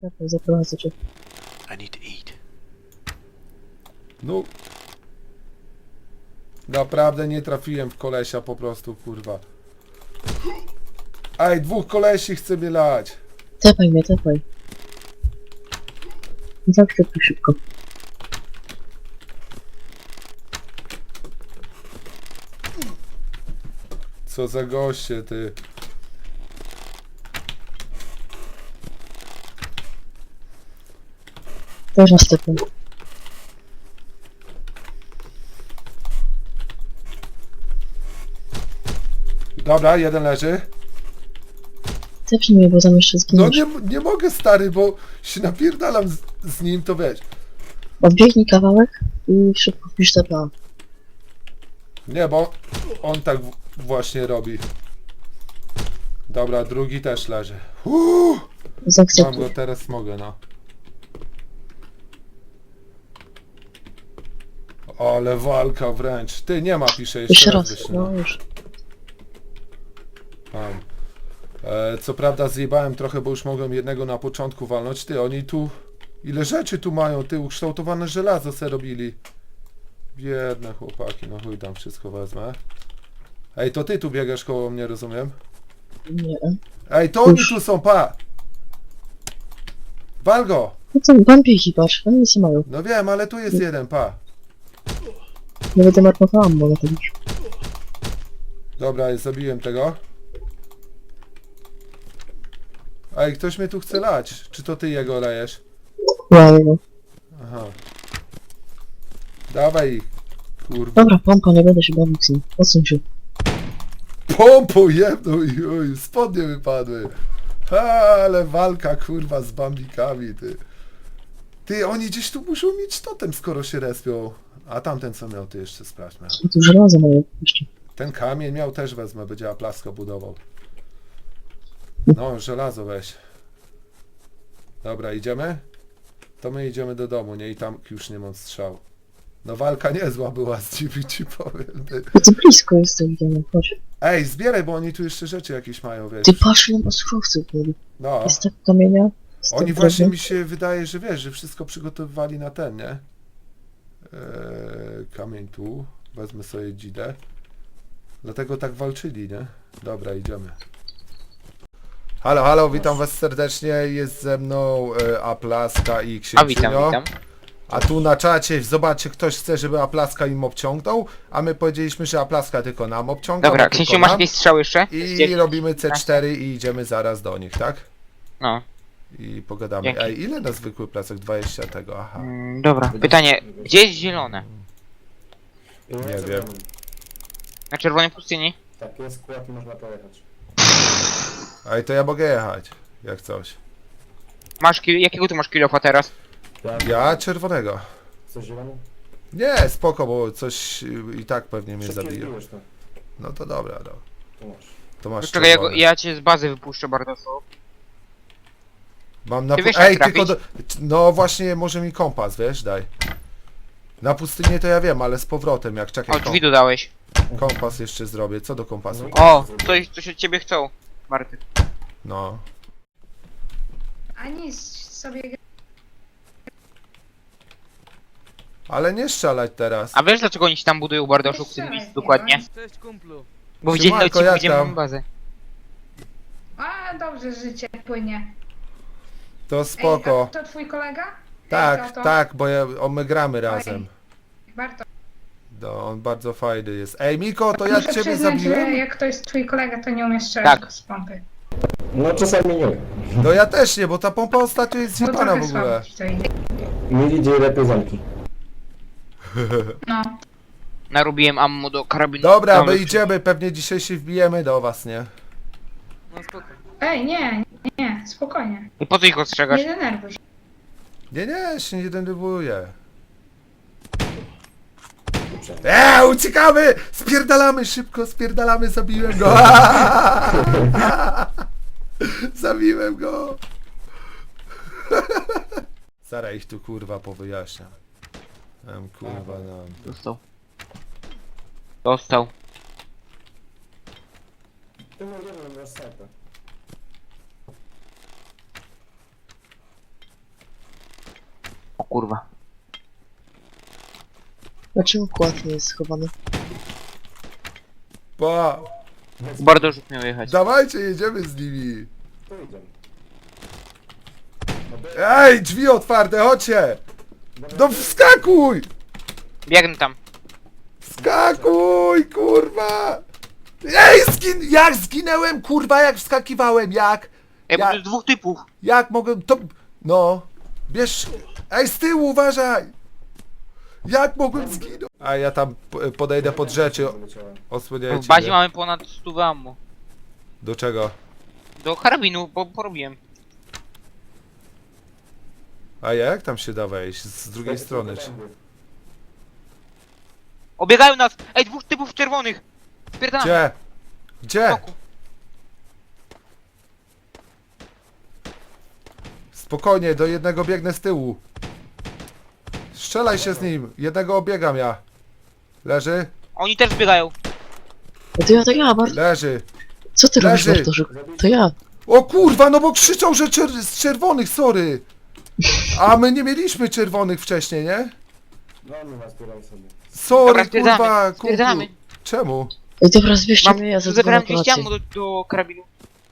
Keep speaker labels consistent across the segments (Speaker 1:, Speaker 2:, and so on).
Speaker 1: Czekaj, zaprowadzę cię.
Speaker 2: I need to eat.
Speaker 3: No. Naprawdę nie trafiłem w kolesia po prostu, kurwa. Ej, dwóch kolesi chce mnie lać.
Speaker 1: Tepaj mnie, tepaj. Zawsze tu szybko.
Speaker 3: Co za goście, ty.
Speaker 1: Teraz tepaj.
Speaker 3: Dobra, jeden leży.
Speaker 1: Tepnij mnie, bo tam jeszcze
Speaker 3: No
Speaker 1: zginiesz.
Speaker 3: nie mogę, stary, bo się napierdalam z nim, to wiesz.
Speaker 1: Odbiegnij kawałek i szybko wpisz TPA.
Speaker 3: Nie, bo on tak właśnie robi. Dobra, drugi też leży. Mam
Speaker 1: Zaakceptuj.
Speaker 3: go, teraz mogę, no. Ale walka wręcz. Ty, nie ma, pisze,
Speaker 1: Jeszcze raz,
Speaker 3: wyślę.
Speaker 1: no już.
Speaker 3: Mam. Co prawda zjebałem trochę, bo już mogłem jednego na początku walnąć. Ty, oni tu... Ile rzeczy tu mają, ty, ukształtowane żelazo se robili. Biedne chłopaki, no chuj, tam wszystko wezmę. Ej, to ty tu biegasz koło mnie, rozumiem?
Speaker 1: Nie.
Speaker 3: Ej, to oni
Speaker 1: Już.
Speaker 3: tu są, pa! Wal go!
Speaker 1: No co, wampirki patrz, oni nic nie mają.
Speaker 3: No wiem, ale tu jest jeden, pa.
Speaker 1: Nie będę marnowałam, bo na to już.
Speaker 3: Dobra, zabiłem tego. Ej, ktoś mnie tu chce lać. Czy to ty jego lejesz?
Speaker 1: Ja jego.
Speaker 3: Aha. Dawaj ich, kurwa.
Speaker 1: Dobra, pompa, nie będę się bawił z nim. Odsuń się.
Speaker 3: Pompą jedną i oj, spodnie wypadły. Ha, ale walka, kurwa, z bambikami, ty. Ty, oni gdzieś tu muszą mieć totem, skoro się respią. A tamten co miał, ty jeszcze sprawdźmy.
Speaker 1: I tu żelazo mają jeszcze.
Speaker 3: Ten kamień miał też wezmę, będzie Aplaska budował. No, żelazo weź. Dobra, idziemy? To my idziemy do domu, nie? I tam już nie mam strzał. No walka niezła była z nimi, ci powiem. Ty.
Speaker 1: No to blisko jest to idziemy, chodź.
Speaker 3: Ej, zbieraj, bo oni tu jeszcze rzeczy jakieś mają, wiesz.
Speaker 1: Ty patrz, ile ma surowców byli.
Speaker 3: No,
Speaker 1: Jest tak kamienia. Jest
Speaker 3: oni
Speaker 1: tak
Speaker 3: właśnie
Speaker 1: drewna.
Speaker 3: mi się wydaje, że wiesz, że wszystko przygotowywali na ten, nie? Kamień tu. Wezmę sobie dzidę. Dlatego tak walczyli, nie? Dobra, idziemy. Halo, halo, witam was serdecznie. Jest ze mną Aplaska i
Speaker 2: A witam,
Speaker 3: Księcynio.
Speaker 2: witam.
Speaker 3: A tu na czacie, zobaczcie, ktoś chce, żeby Aplaska im obciągnął, a my powiedzieliśmy, że Aplaska tylko nam obciąga.
Speaker 2: Dobra,
Speaker 3: bo tylko
Speaker 2: Księciu, masz
Speaker 3: nam.
Speaker 2: jakieś strzały jeszcze?
Speaker 3: I robimy C4 i idziemy zaraz do nich, tak?
Speaker 2: No.
Speaker 3: I pogadamy.
Speaker 2: Dzięki.
Speaker 3: Ej, ile na zwykły placek? 20 tego, aha.
Speaker 2: Dobra, pytanie. Gdzie jest zielone?
Speaker 3: Nie wiem.
Speaker 2: Na czerwonej pustyni?
Speaker 4: Tak, jest skład i można pojechać.
Speaker 3: Ej, to ja mogę jechać, jak coś.
Speaker 2: Jakiego ty masz kilofa teraz?
Speaker 3: Ja czerwonego.
Speaker 4: Chcesz zielony?
Speaker 3: Nie, spoko, bo coś i tak pewnie mnie
Speaker 4: Szybciej
Speaker 3: zabije.
Speaker 4: zbiłeś to.
Speaker 3: No to dobra, no.
Speaker 4: To masz.
Speaker 3: To masz
Speaker 2: Czekaj,
Speaker 3: czerwony.
Speaker 2: ja cię z bazy wypuszczę bardzo.
Speaker 3: Mam na
Speaker 2: Ty wiesz,
Speaker 3: Ej,
Speaker 2: jak
Speaker 3: tylko do... No właśnie, może mi kompas, wiesz, daj. Na pustynię to ja wiem, ale z powrotem, jak czekaj,
Speaker 2: O, drzwi dodałeś.
Speaker 3: kompas jeszcze zrobię. Co do kompasu?
Speaker 2: O, coś od ciebie chcą, Marty.
Speaker 3: No.
Speaker 5: A nic sobie.
Speaker 3: Ale nie strzelać teraz.
Speaker 2: A wiesz dlaczego oni ci tam budują bardoszu w tym miejscu dokładnie?
Speaker 5: Cześć
Speaker 2: Bo widzieli na
Speaker 3: Siemanko,
Speaker 2: odcinku,
Speaker 3: jak
Speaker 2: gdzie
Speaker 3: tam?
Speaker 2: mamy bazę.
Speaker 5: A dobrze, życie płynie.
Speaker 3: To spoko.
Speaker 5: Ej, a to twój kolega?
Speaker 3: Tak,
Speaker 5: Ej, to.
Speaker 3: tak, bo my gramy razem.
Speaker 5: Warto.
Speaker 3: No, on bardzo fajny jest. Ej, Miko, to ja
Speaker 5: Muszę
Speaker 3: ciebie
Speaker 5: przyznać, że
Speaker 3: zabiłem?
Speaker 5: jak to jest twój kolega, to nie umiesz strzelać
Speaker 2: Tak.
Speaker 5: z pompy.
Speaker 4: No czasami nie.
Speaker 3: No ja też nie, bo ta pompa ostatnio jest
Speaker 5: Bo
Speaker 3: zjebana
Speaker 5: trochę
Speaker 3: w ogóle.
Speaker 5: słabo ci to idzie.
Speaker 4: Mi idzie lepiej zamki.
Speaker 5: No.
Speaker 2: Narobiłem ammo do karabinu.
Speaker 3: Dobra,
Speaker 2: Tam
Speaker 3: my
Speaker 2: lepszy.
Speaker 3: idziemy, pewnie dzisiaj się wbijemy do was, nie?
Speaker 5: Ej, nie, spokojnie.
Speaker 2: I po co ich ostrzegasz?
Speaker 5: Nie denerwuj się.
Speaker 3: Nie, się nie denerwuję. Uciekamy! Spierdalamy szybko, spierdalamy, zabiłem go! Zabiłem go! Zaraz ich tu kurwa powyjaśniam. Kurwa no.
Speaker 2: Dostał. Dostał.
Speaker 4: Ty mówisz, że masz snajpę.
Speaker 2: kurwa.
Speaker 1: Dlaczego kład nie jest schowany?
Speaker 3: Pa!
Speaker 2: Bardoszuk miał jechać.
Speaker 3: Dawajcie, jedziemy z nimi.
Speaker 4: To idziemy.
Speaker 3: Ej, drzwi otwarte, chodźcie! No wskakuj!
Speaker 2: Biegnę tam.
Speaker 3: Wskakuj, kurwa! Ej, jak zginęłem, kurwa, jak wskakiwałem, jak?
Speaker 2: Ej, bo
Speaker 3: Ja-
Speaker 2: tu jest dwóch typów.
Speaker 3: Jak mogłem to... No, bierz... Ej, z tyłu, uważaj! Jak mogłem zginąć? A ja tam podejdę pod rzeczy,
Speaker 4: Wyleciałem.
Speaker 3: osłaniajcie
Speaker 2: W bazie
Speaker 3: mnie.
Speaker 2: mamy ponad 100 ammo.
Speaker 3: Do czego?
Speaker 2: Do karabinu, bo porobiłem.
Speaker 3: A jak tam się da wejść? Z drugiej strony. Czy...
Speaker 2: Obiegają nas! Ej, dwóch typów czerwonych! Spierdalamy.
Speaker 3: Gdzie? Gdzie?
Speaker 2: Boku.
Speaker 3: Spokojnie, do jednego biegnę z tyłu. Strzelaj się z nim, jednego obiegam ja. Leży?
Speaker 2: Oni też biegają.
Speaker 1: To ja, Bart.
Speaker 3: Leży.
Speaker 1: Co ty robisz,
Speaker 3: Leży.
Speaker 1: Bartoszuk? To ja.
Speaker 3: O kurwa, no bo krzyczą, że z czerwonych, sorry. A my nie mieliśmy czerwonych wcześniej, nie?
Speaker 4: No nie ma, zbieraj sobie.
Speaker 3: Sorry,
Speaker 2: Dobra, stwierdzamy,
Speaker 3: kurwa, kumplu.
Speaker 2: stwierdzamy.
Speaker 3: Czemu?
Speaker 1: Ej, dobra, zwieście
Speaker 2: Mam,
Speaker 1: mnie, ja zadzwonię
Speaker 2: zebrałem
Speaker 1: na
Speaker 2: 200
Speaker 1: kolację.
Speaker 2: ammo do karabinu.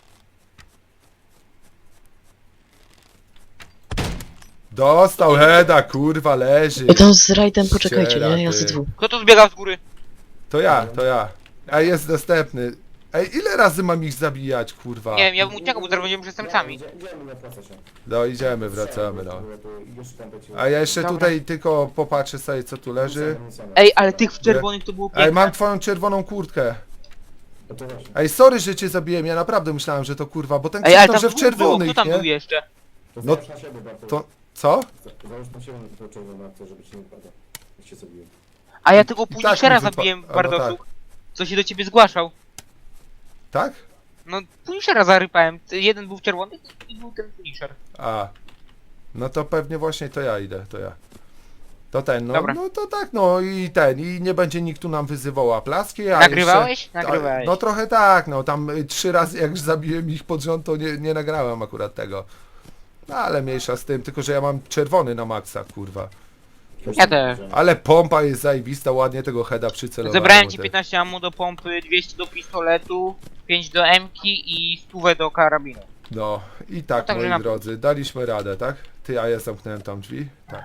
Speaker 3: Dostał heada, kurwa, leży.
Speaker 1: Ej, tam z rajdem poczekajcie,
Speaker 3: Ściera,
Speaker 1: nie? Ja
Speaker 3: ty.
Speaker 1: ze dwóch.
Speaker 2: Kto to zbiegał z góry?
Speaker 3: To ja. Ej, jest następny. Ej, ile razy mam ich zabijać, kurwa?
Speaker 2: Nie wiem, ja bym uciekał, bo zaraz będziemy przestępcami.
Speaker 4: Idziemy, nie opłaca się.
Speaker 3: No, idziemy, wracamy, no.
Speaker 4: Już tam będzie-
Speaker 3: A ja jeszcze
Speaker 2: Dobra.
Speaker 3: tutaj tylko popatrzę sobie, co tu leży.
Speaker 2: Ej, ale tych w czerwonych to było
Speaker 3: Ej,
Speaker 2: piękne.
Speaker 3: mam twoją czerwoną kurtkę.
Speaker 4: No to właśnie.
Speaker 3: Ej, sorry, że cię zabiłem, ja naprawdę myślałem, że to kurwa, bo ten
Speaker 2: Ej, ale
Speaker 3: krzyknął,
Speaker 2: tam
Speaker 3: że w
Speaker 2: dwóch było. Kto
Speaker 3: czerwonych,
Speaker 2: tam był
Speaker 3: nie?
Speaker 2: jeszcze?
Speaker 4: To
Speaker 3: No-
Speaker 4: załóż na siebie, Bartu.
Speaker 3: To... Co?
Speaker 4: Załóż na siebie to czerwone akcje, żeby ci nie wypadło. Jak się zabiłem.
Speaker 2: A ja tego
Speaker 3: I tak
Speaker 2: Punishera
Speaker 3: mi
Speaker 2: zabiłem,
Speaker 3: albo
Speaker 2: Bardoszuk. Co się do ciebie zgłaszał.
Speaker 3: Tak?
Speaker 2: No, Punishera zarypałem. Jeden był w czerwonych i był ten Punisher.
Speaker 3: A. No to pewnie właśnie to ja idę, to ja. To ten, no,
Speaker 2: Dobra.
Speaker 3: no to tak, no i ten, i nie będzie nikt tu nam wyzywał aplaski, a
Speaker 2: Nagrywałeś?
Speaker 3: Jeszcze,
Speaker 2: Nagrywałeś.
Speaker 3: No trochę tak, no tam 3 razy jak zabiłem ich pod rząd, to nie nagrałem akurat tego. No ale mniejsza z tym, tylko że ja mam czerwony na maksa, kurwa.
Speaker 2: Ja też.
Speaker 3: Ale pompa jest zajebista, ładnie tego heada przycelowałem.
Speaker 2: Zebrałem ci
Speaker 3: ty.
Speaker 2: 15 ammo do pompy, 200 do pistoletu, 5 do M-ki i 100 do karabinu.
Speaker 3: No i tak,
Speaker 2: No także
Speaker 3: moi
Speaker 2: na-
Speaker 3: drodzy, daliśmy radę, tak? Ty, a ja zamknąłem tam drzwi? Tak.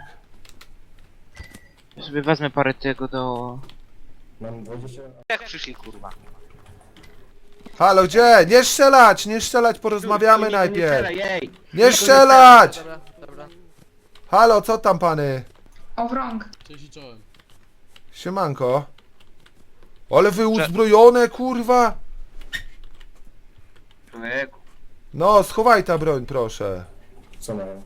Speaker 2: Ja sobie wezmę parę tego do...
Speaker 4: Mam 20...
Speaker 2: Jak przyszli, kurwa.
Speaker 3: Halo, gdzie? Nie strzelać, porozmawiamy najpierw. Nie strzelać! Halo, co tam pany?
Speaker 5: O wrąg.
Speaker 6: Cześć i czołem.
Speaker 3: Siemanko. Ale wy uzbrojone, kurwa!
Speaker 2: Człowieku.
Speaker 3: No, schowaj ta broń, proszę.
Speaker 4: Co mają?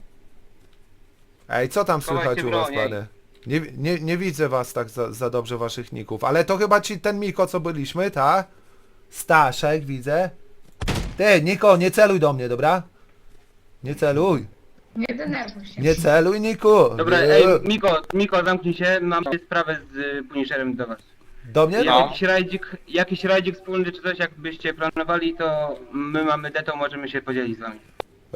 Speaker 3: Ej, co tam
Speaker 2: Schowaj
Speaker 3: słychać
Speaker 2: tę
Speaker 3: u was,
Speaker 2: broń, ej.
Speaker 3: pany? Nie widzę was tak za dobrze, waszych ników. Ale to chyba ci ten Miko, co byliśmy, ta? Staszek, widzę. Ty, Niko, nie celuj do mnie, dobra? Nie celuj.
Speaker 5: Nie denerwuj się.
Speaker 3: Nie celuj, Niku.
Speaker 7: Dobra,
Speaker 3: Nie.
Speaker 7: ej, Miko, zamknij się, mam sprawę z Punisherem do was.
Speaker 3: Do mnie?
Speaker 2: No.
Speaker 7: Jakiś rajdzik wspólny czy coś, jakbyście planowali, to my mamy deto, możemy się podzielić z wami.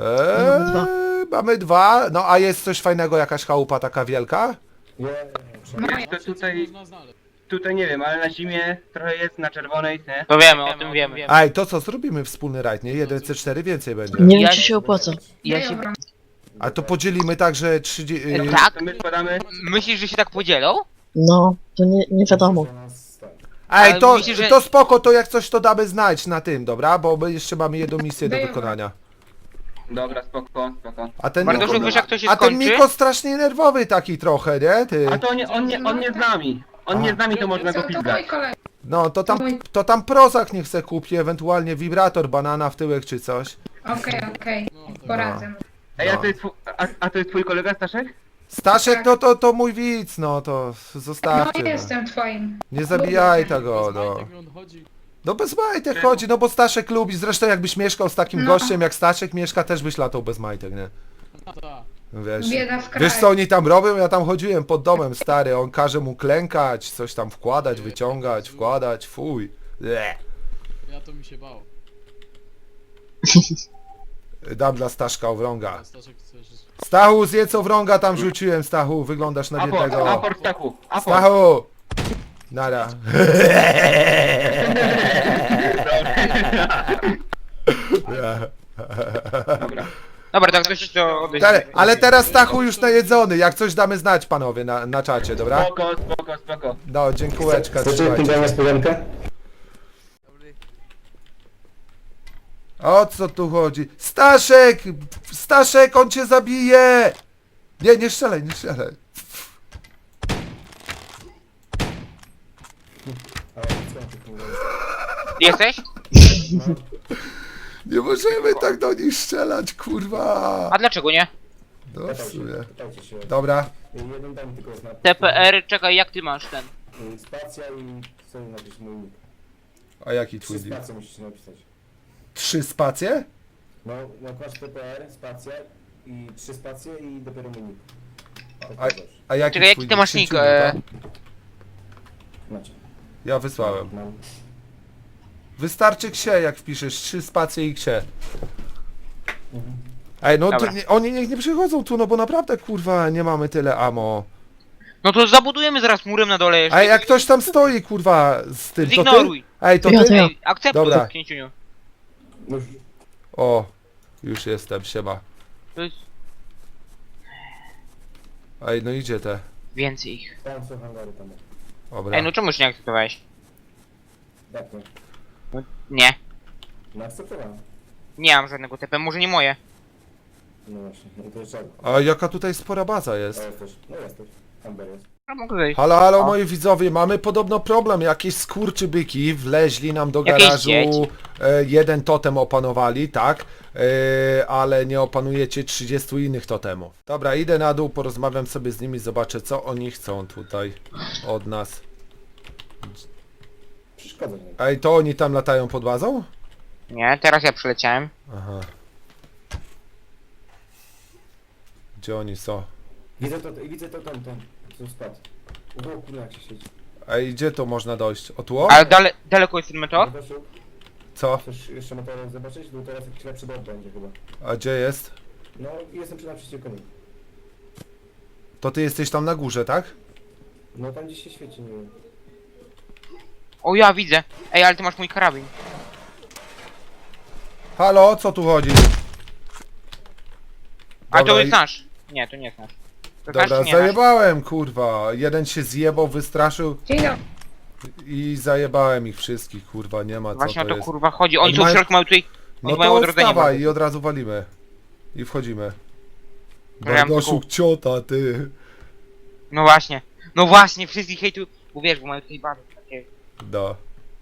Speaker 3: Mamy dwa. No a jest coś fajnego, jakaś chałupa taka wielka?
Speaker 4: Nie,
Speaker 5: Moje.
Speaker 7: To tutaj,
Speaker 6: Można znaleźć.
Speaker 7: tutaj nie wiem, ale na zimie trochę jest, na czerwonej, nie?
Speaker 2: To wiemy, o tym wiemy.
Speaker 3: Ej, to co, zrobimy wspólny rajd, nie? 1C4 więcej będzie.
Speaker 1: Nie wiem,
Speaker 2: Ja-
Speaker 1: czy się opłaca.
Speaker 2: Ja
Speaker 5: Daj
Speaker 2: się...
Speaker 5: o wrąg.
Speaker 3: A to podzielimy tak, że 30...
Speaker 2: Tak?
Speaker 7: To my składamy,
Speaker 2: Myślisz, że się tak podzielą?
Speaker 1: No, to nie wiadomo.
Speaker 4: to nas tak.
Speaker 3: Ej,
Speaker 2: Ale
Speaker 3: to,
Speaker 2: myślisz, że-
Speaker 3: to spoko, to jak coś to damy znać na tym, dobra? Bo my jeszcze mamy jedną misję do
Speaker 5: Daj
Speaker 3: wykonania.
Speaker 7: dobra, spoko.
Speaker 3: A ten
Speaker 2: Bartoszek,
Speaker 3: Miko,
Speaker 2: wiesz jak to się
Speaker 3: a ten
Speaker 2: skończy?
Speaker 3: Miko strasznie nerwowy taki trochę, nie? Ty.
Speaker 7: A to on nie z nami. On nie z nami, to można go
Speaker 5: Co, to mój
Speaker 7: pizgać.
Speaker 5: kolega.
Speaker 3: No, to tam Prozak niech se kupi, ewentualnie wibrator, banana w tyłek czy coś.
Speaker 5: Okej.
Speaker 6: No tak.
Speaker 5: Poradzę.
Speaker 7: Ej,
Speaker 3: No.
Speaker 7: a to jest twój kolega, Staszek?
Speaker 3: Staszek,
Speaker 5: Tak.
Speaker 3: no to mój widz, no to
Speaker 5: No
Speaker 3: zostawcie. No.
Speaker 5: jestem twoim.
Speaker 3: Nie zabijaj
Speaker 5: Lubię
Speaker 3: tego,
Speaker 6: Bez
Speaker 3: no.
Speaker 6: majtek on chodzi.
Speaker 3: No bez majtek chodzi, no bo Staszek lubi. Zresztą jakbyś mieszkał z takim
Speaker 5: No.
Speaker 3: gościem jak Staszek mieszka, też byś latał bez majtek, nie?
Speaker 6: No tak.
Speaker 3: Wiesz,
Speaker 5: Bieda w kraju.
Speaker 3: wiesz co oni tam robią? Ja tam chodziłem pod domem, stary, on każe mu klękać, coś tam wkładać, wyciągać, wkładać, fuj. Bleh.
Speaker 6: Ja to mi się bał.
Speaker 3: Dam dla Staszka Owrąga.
Speaker 6: Staszek chcesz...
Speaker 3: Stachu, zjedz co wrąga tam rzuciłem, Stachu, wyglądasz na biednego.
Speaker 7: Aport Stachu, aport.
Speaker 3: Stachu! Nara.
Speaker 2: Dobra, tak ktoś to odejdzie.
Speaker 3: Ale teraz Stachu już najedzony, jak coś damy znać panowie na czacie, dobra?
Speaker 7: Spoko.
Speaker 3: No, dziękułeczka,
Speaker 4: Chcecie
Speaker 3: trzymajcie.
Speaker 4: jakąś niespodziankę?
Speaker 3: O co tu chodzi? Staszek! Staszek, on cię zabije! Nie, nie strzelaj, nie strzelaj.
Speaker 2: Jesteś?
Speaker 3: Nie możemy tak do nich strzelać, kurwa!
Speaker 2: A dlaczego nie?
Speaker 3: No w sumie.
Speaker 4: Pytajcie się.
Speaker 3: Dobra.
Speaker 4: Jeden dam tylko znak.
Speaker 2: TPR, czekaj, jak ty masz ten?
Speaker 4: Spacja i sobie napisać mój nick.
Speaker 3: A jaki
Speaker 4: 3
Speaker 3: twój deal?
Speaker 4: spacje musicie napisać.
Speaker 3: 3 spacje?
Speaker 4: No, nakładasz TPR, spacja i 3 spacje i dopiero mój nick. Tak
Speaker 3: A,
Speaker 4: dobrze.
Speaker 3: a jaki
Speaker 2: Czekaj,
Speaker 3: twój
Speaker 2: jaki ty masz nick?
Speaker 3: Krzyciuniu, tak?
Speaker 4: Macie.
Speaker 3: Ja wysłałem.
Speaker 4: Mam.
Speaker 3: Wystarczy ksie, jak wpiszesz 3 spacje i ksie. Ej, no to
Speaker 2: Dobra.
Speaker 3: oni niech nie przychodzą tu, no bo naprawdę, kurwa, nie mamy tyle ammo.
Speaker 2: No to zabudujemy zaraz murem na dole jeszcze.
Speaker 3: Ej, jak ktoś tam stoi, kurwa, z tym, to ty?
Speaker 2: Zignoruj.
Speaker 3: Ej, to
Speaker 1: Ja
Speaker 3: ty?
Speaker 1: to ja.
Speaker 2: Ej, akceptuj,
Speaker 3: Dobra.
Speaker 2: księciuniu.
Speaker 4: Już.
Speaker 3: O, już jestem, siema.
Speaker 2: To jest
Speaker 3: Ej, no idzie te.
Speaker 2: więcej ich.
Speaker 4: Tam są hangary tam.
Speaker 3: Dobra.
Speaker 2: Ej, no czemuś nie akceptowałeś?
Speaker 4: Jak to?
Speaker 2: Nie.
Speaker 4: No akceptowałem.
Speaker 2: Nie mam żadnego TP, może nie moje.
Speaker 4: No właśnie, no to jeszcze.
Speaker 3: A jaka tutaj spora baza
Speaker 4: O,
Speaker 3: jest?
Speaker 4: jesteś. No jesteś. Amber jest.
Speaker 2: A mogę wejść.
Speaker 3: Halo, halo
Speaker 2: O.
Speaker 3: moi widzowie, mamy podobno problem. Jakieś skurczybyki wleźli nam do
Speaker 2: Jakieś
Speaker 3: garażu,
Speaker 2: dzieci.
Speaker 3: jeden totem opanowali, tak? Ale nie opanujecie 30 innych totemów. Dobra, idę na dół, porozmawiam sobie z nimi, zobaczę co oni chcą tutaj od nas.
Speaker 4: Przeszkadza mi.
Speaker 3: Ej, to oni tam latają pod bazą?
Speaker 2: Nie, teraz ja przyleciałem.
Speaker 3: Aha. Gdzie oni są?
Speaker 4: Widzę to tam, co spadł. O kurwa, jak się siedzi.
Speaker 3: Ej, gdzie to można dojść? O tu?
Speaker 2: Ale daleko jest ten meteor?
Speaker 4: Zobaczył?
Speaker 3: Co?
Speaker 4: Chcesz jeszcze motorem zobaczyć? Bo teraz jakiś lepszy dom będzie chyba.
Speaker 3: A gdzie jest?
Speaker 4: No, jestem przy naprzeciwko nim.
Speaker 3: To ty jesteś tam na górze, tak?
Speaker 4: No tam gdzieś się świeci, nie wiem.
Speaker 2: O, ja widzę. Ej, ale ty masz mój karabin.
Speaker 3: Halo, o co tu chodzi?
Speaker 2: A
Speaker 3: Dobra,
Speaker 2: to jest
Speaker 3: i-
Speaker 2: nasz. Nie, to nie jest nasz. To nasz
Speaker 3: Dobra,
Speaker 2: czy nie nasz?
Speaker 3: zajebałem, kurwa. Jeden się zjebał, wystraszył
Speaker 5: Dzień dobry.
Speaker 3: i zajebałem ich wszystkich, kurwa, nie ma co
Speaker 2: Właśnie o
Speaker 3: to
Speaker 2: to
Speaker 3: jest.
Speaker 2: kurwa chodzi. Oni
Speaker 3: Oni
Speaker 2: tu w
Speaker 3: mają-
Speaker 2: środku mają tutaj...
Speaker 3: No
Speaker 2: Oni mają
Speaker 3: to
Speaker 2: odrodzenie.
Speaker 3: wstawaj
Speaker 2: bardzo.
Speaker 3: i od razu walimy. I wchodzimy.
Speaker 2: Ja mam
Speaker 3: Bardoszuk ciota, ty.
Speaker 2: No właśnie. No właśnie, wszystkich hejtu... Bo wiesz, bo mają tutaj bardzo takie...
Speaker 3: No.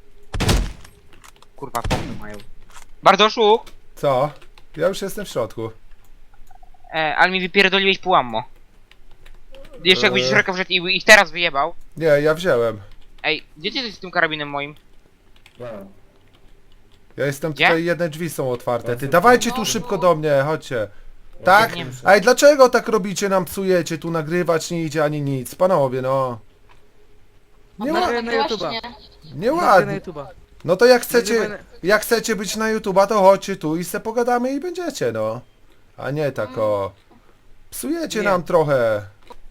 Speaker 2: Kurwa, pomny mają. Bardoszuk!
Speaker 3: Co? Ja już jestem w środku.
Speaker 2: Ale mi wypierdoliłeś pół ammo. Jeszcze jakbyś szeroko wszedł i ich teraz wyjebał.
Speaker 3: Nie, ja wziąłem.
Speaker 2: Ej, gdzie ty jesteś z tym karabinem moim?
Speaker 4: Ja.
Speaker 3: Ja jestem
Speaker 2: Gdzie?
Speaker 3: tutaj, jedne drzwi są otwarte. Ty
Speaker 4: No,
Speaker 3: dawajcie
Speaker 5: no,
Speaker 3: tu
Speaker 5: no.
Speaker 3: szybko do mnie, chodźcie. Tak?
Speaker 2: Nie.
Speaker 3: Ej, dlaczego tak robicie, nam psujecie, tu nagrywać nie idzie ani nic, panowie, no. Nie,
Speaker 8: Nagraj
Speaker 3: ła-
Speaker 8: na YouTube'a.
Speaker 3: nie
Speaker 8: Nagraj na
Speaker 3: ładnie.
Speaker 8: YouTube'a.
Speaker 3: No to
Speaker 8: Nagrywaj
Speaker 3: jak chcecie być na YouTube'a, to chodźcie tu i se pogadamy i będziecie, no. A nie tak o. Psujecie
Speaker 8: Nie.
Speaker 3: nam trochę.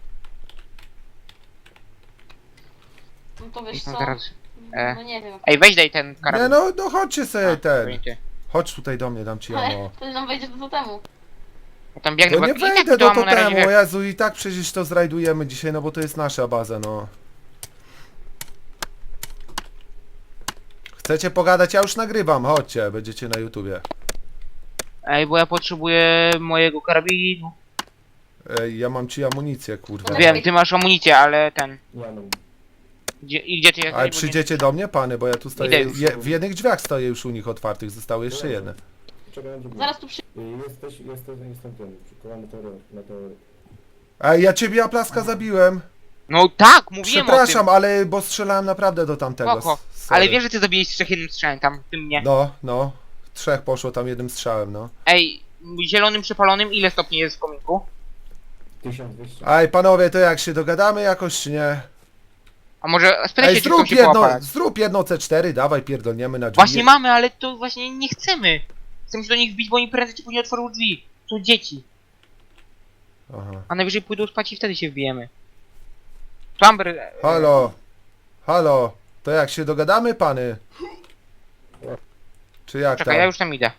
Speaker 9: No to wiesz
Speaker 2: No
Speaker 9: co?
Speaker 2: teraz...
Speaker 9: No nie wiem.
Speaker 2: Ej, weź daj ten karabin.
Speaker 3: Nie no, no chodźcie sobie
Speaker 2: A, to
Speaker 3: ten.
Speaker 2: nie ty.
Speaker 3: Chodź tutaj do mnie, dam ci
Speaker 9: Ale
Speaker 3: ammo.
Speaker 9: wtedy nam wejdzie do totemu.
Speaker 2: Ja tam biegnę,
Speaker 3: To
Speaker 2: bo
Speaker 3: nie
Speaker 2: i tak
Speaker 3: wejdę
Speaker 2: to
Speaker 3: do
Speaker 2: ammo na razie
Speaker 3: totemu,
Speaker 2: wie-
Speaker 3: Jezu, i tak przecież to zrajdujemy dzisiaj, no bo to jest nasza baza, no. Chcecie pogadać? Ja już nagrywam, chodźcie, będziecie na YouTubie.
Speaker 2: Ej, bo ja potrzebuję mojego karabinu.
Speaker 3: Ej, ja mam ci amunicję, kurwa.
Speaker 2: Wiem, ty masz amunicję, ale ten...
Speaker 4: Ja mam.
Speaker 2: Gdzie ty jesteś?
Speaker 3: Ale
Speaker 2: Bo
Speaker 3: przyjdziecie do mnie, pany, bo ja tu stoję,
Speaker 2: Idę już.
Speaker 3: w jednych drzwiach stoję już u nich otwartych, zostały jeszcze jedne.
Speaker 4: Czekaj na drugą.
Speaker 9: Zaraz tu przy...
Speaker 4: Jestem ten. Przekonany na to.
Speaker 3: Ej, ja ciebie Aplaska zabiłem.
Speaker 2: No tak, mówiłem
Speaker 3: Przepraszam,
Speaker 2: o
Speaker 3: ale bo strzelałem naprawdę do
Speaker 2: tym.
Speaker 3: tamtego.
Speaker 2: Spoko.
Speaker 3: Sorry.
Speaker 2: Ale wiesz, że ty zabiłeś trzech jednym strzałem tam, w tym mnie.
Speaker 3: No, no. 3 poszło tam jednym strzałem, no.
Speaker 2: Ej, zielonym przepalonym ile stopni jest w kominku?
Speaker 4: 1200.
Speaker 3: Ej, panowie, to jak się dogadamy jakoś, czy nie?
Speaker 2: A może spytaj
Speaker 3: Ej,
Speaker 2: się, czy chcą
Speaker 3: zrób
Speaker 2: się
Speaker 3: jedno,
Speaker 2: połapać.
Speaker 3: zrób jedno C4, dawaj, pierdolniemy na drzwi.
Speaker 2: Właśnie mamy, ale to właśnie nie chcemy. Chcemy się do nich wbić, bo oni prędzej czy później otworzą drzwi. To dzieci.
Speaker 3: Aha.
Speaker 2: A najwyżej pójdą spać i wtedy się wbijemy. Plumber...
Speaker 3: Halo! Halo! To jak się dogadamy, pany? Czy jak
Speaker 2: Czekaj,
Speaker 3: tam?
Speaker 2: ja już tam idę.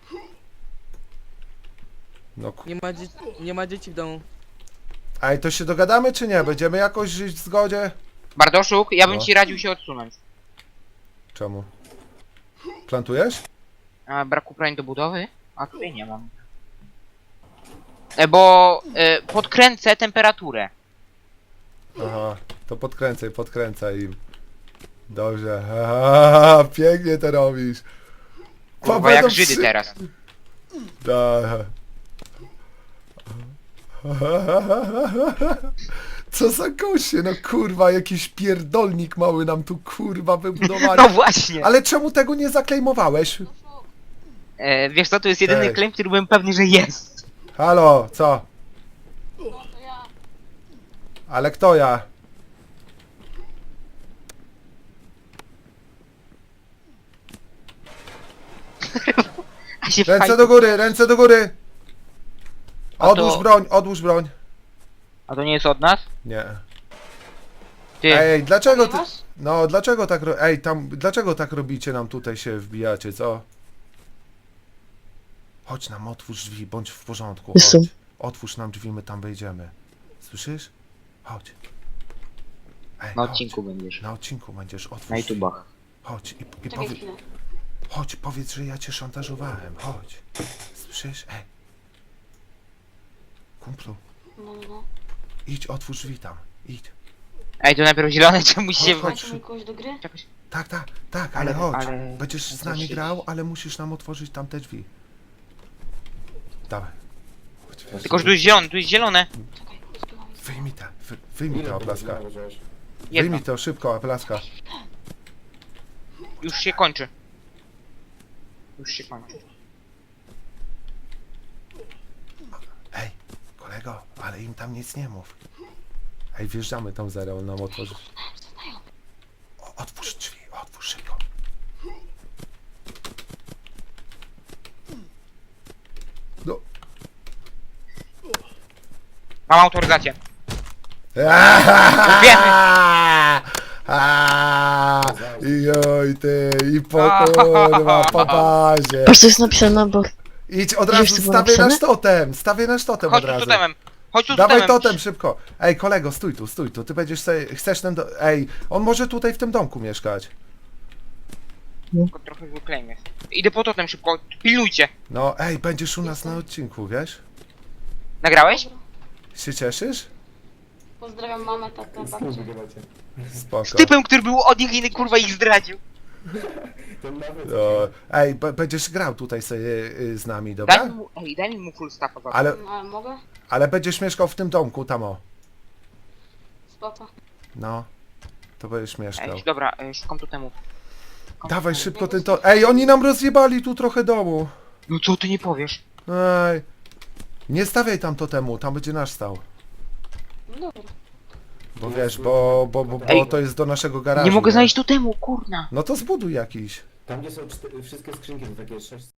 Speaker 3: No,
Speaker 8: Nie ma dzieci w domu.
Speaker 3: ej, to się dogadamy, czy nie? Będziemy jakoś żyć w zgodzie?
Speaker 2: Bardoszuk, ja bym
Speaker 3: No.
Speaker 2: ci radził się odsunąć.
Speaker 3: Czemu? Plantujesz?
Speaker 2: A brak uprań do budowy? A tutaj nie mam. Bo podkręcę temperaturę.
Speaker 3: Aha, to podkręcaj im. Dobrze. Aha, pięknie to robisz.
Speaker 2: Kurwa, jak Żydy teraz.
Speaker 3: Da. Co za goście, no kurwa, jakiś pierdolnik mały nam tu kurwa wybudowali.
Speaker 2: No właśnie!
Speaker 3: Ale czemu tego nie zaklejmowałeś?
Speaker 2: Wiesz co, to jest jedyny
Speaker 3: Ej.
Speaker 2: claim, który byłem pewny, że jest.
Speaker 3: Halo, co?
Speaker 9: No to ja.
Speaker 3: Ale kto ja?
Speaker 2: A się
Speaker 3: Ręce
Speaker 2: fajnie-
Speaker 3: do góry, ręce do góry!
Speaker 2: A to-
Speaker 3: Odłóż broń, odłóż broń.
Speaker 2: A to nie jest od nas?
Speaker 3: Nie.
Speaker 2: Ty,
Speaker 3: Ej, dlaczego ty...
Speaker 9: Masz?
Speaker 3: No, dlaczego tak... Ej, tam... Dlaczego tak robicie, nam tutaj się wbijacie, co? Chodź nam, otwórz drzwi, bądź w porządku,
Speaker 1: Są.
Speaker 3: chodź. Otwórz nam drzwi, my tam wejdziemy. Słyszysz? Chodź. Ej,
Speaker 2: na
Speaker 3: chodź.
Speaker 2: odcinku będziesz.
Speaker 3: Na odcinku będziesz, otwórz
Speaker 2: Na
Speaker 3: drzwi.
Speaker 2: YouTubach.
Speaker 3: Chodź i
Speaker 9: Czekaj
Speaker 3: powiedz...
Speaker 9: chwilę.
Speaker 3: Chodź, powiedz, że ja cię szantażowałem, chodź. Słyszysz? Ej. Kumplu,
Speaker 9: No.
Speaker 3: idź, otwórz drzwi tam, idź.
Speaker 2: Ej, to najpierw zielone, czy musi się...
Speaker 3: Chodź.
Speaker 9: Macie mi kogoś do gry?
Speaker 2: Jakoś...
Speaker 3: Tak, ale
Speaker 2: Ale-
Speaker 3: chodź.
Speaker 2: ale-
Speaker 3: Będziesz z nami grał, ale musisz nam otworzyć tamte drzwi. Dawaj. Chodź,
Speaker 2: Tylko, że tu jest zielone, tu jest zielone.
Speaker 9: Czekaj, zbywam.
Speaker 3: wyjmij
Speaker 4: Ile
Speaker 3: ta
Speaker 4: tego
Speaker 3: oplaska.
Speaker 4: znowu wziąłeś?
Speaker 2: Jedno.
Speaker 3: Wyjmij to szybko, oplaska.
Speaker 2: Już się kończy. Już się kończy.
Speaker 3: Ej, kolego, ale im tam nic nie mów. Ej, wjeżdżamy tam zaraz, on nam otworzy. Otwórz drzwi, otwórz szybko. No.
Speaker 2: Mam autoryzację.
Speaker 3: I oj ty, i po kurwa, po bazie.
Speaker 1: Patrz, co jest napisane na bok.
Speaker 3: Idź od
Speaker 1: Wiesz,
Speaker 3: razu,
Speaker 1: co było
Speaker 3: stawię
Speaker 1: napisane?
Speaker 3: nasz totem, stawię nasz totem
Speaker 2: Chodź
Speaker 3: od
Speaker 2: tu z
Speaker 3: razu.
Speaker 2: totemem. Chodź tu z
Speaker 3: Dawaj
Speaker 2: totemem.
Speaker 3: totem szybko. Ej, kolego, stój tu, ty będziesz sobie, chcesz ten ej, on może tutaj w tym domku mieszkać.
Speaker 2: Tylko trochę zły claim jest. Idę po totem szybko, pilnujcie.
Speaker 3: No, ej, będziesz u nas na odcinku, wiesz?
Speaker 2: Nagrałeś?
Speaker 3: Się cieszysz?
Speaker 9: Pozdrawiam mamę, tatę,
Speaker 4: Z kim
Speaker 9: babcię.
Speaker 4: wygrywacie?
Speaker 3: Spoko.
Speaker 2: Z typem, który był od nich i kurwa ich zdradził.
Speaker 4: Ten nawet.
Speaker 3: No, ej, będziesz grał tutaj sobie z nami, dobra?
Speaker 2: Daj mi mu full staffa.
Speaker 3: Ale,
Speaker 9: A mogę?
Speaker 3: ale będziesz mieszkał w tym domku, tam o.
Speaker 9: Spoko.
Speaker 3: No, to będziesz mieszkał.
Speaker 2: Ej, dobra, szukam totemu.
Speaker 3: Dawaj szybko ten to. Ej, oni nam rozjebali tu trochę domu.
Speaker 2: No co ty nie powiesz?
Speaker 3: Ej. Nie stawiaj tam totemu, tam będzie nasz stał.
Speaker 9: No dobra.
Speaker 3: Bo wiesz, bo
Speaker 2: Ej.
Speaker 3: to jest do naszego garażu.
Speaker 2: Nie mogę znaleźć totemu, kurna.
Speaker 3: No to zbuduj jakiś.
Speaker 4: Tam gdzie są wszystkie skrzynki, to takie 6